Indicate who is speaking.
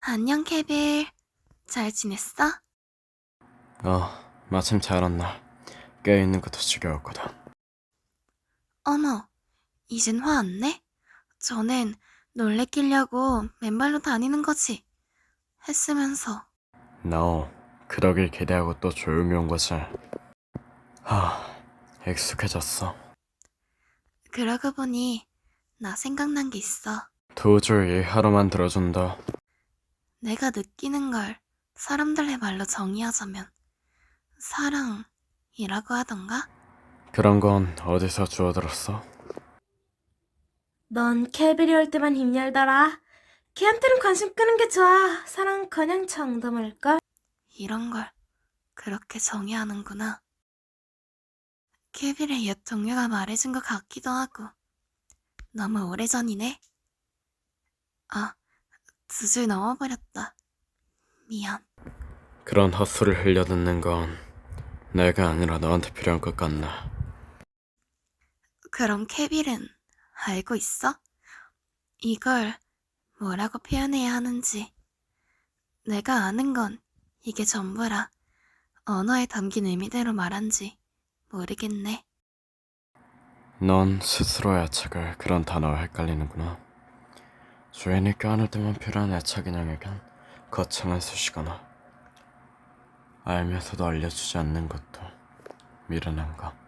Speaker 1: 안녕, 케빌. 잘 지냈어?
Speaker 2: 마침 잘 왔나. 깨어있는 것도 지겨웠거든.
Speaker 1: 어머, 이젠 화 안 내? 전엔 놀래키려고 맨발로 다니는 거지. 했으면서.
Speaker 2: 너 그러길 기대하고 또 조용히 온 거지. 익숙해졌어.
Speaker 1: 그러고 보니 나 생각난 게 있어.
Speaker 2: 도저히 하루만 들어준다.
Speaker 1: 내가 느끼는 걸 사람들의 말로 정의하자면 사랑이라고 하던가?
Speaker 2: 그런 건 어디서 주워들었어?
Speaker 3: 넌 케빌이 올 때만 입 열더라. 걔한테는 관심 끄는 게 좋아. 사랑은커녕 정도말걸.
Speaker 1: 이런 걸 그렇게 정의하는구나. 케빌의 옛 동료가 말해준 것 같기도 하고. 너무 오래전이네. 아, 2줄 넘어버렸다. 미안.
Speaker 2: 그런 헛소리를 흘려듣는 건 내가 아니라 너한테 필요한 것 같나.
Speaker 1: 그럼 케빌은 알고 있어? 이걸 뭐라고 표현해야 하는지. 내가 아는 건 이게 전부라 언어에 담긴 의미대로 말한지 모르겠네.
Speaker 2: 넌 스스로의 애착을 그런 단어와 헷갈리는구나. 주인이 껴안을 때만 필요한 애착 인형에겐 거창한 수식어나 알면서도 알려주지 않는 것도 미련한 거.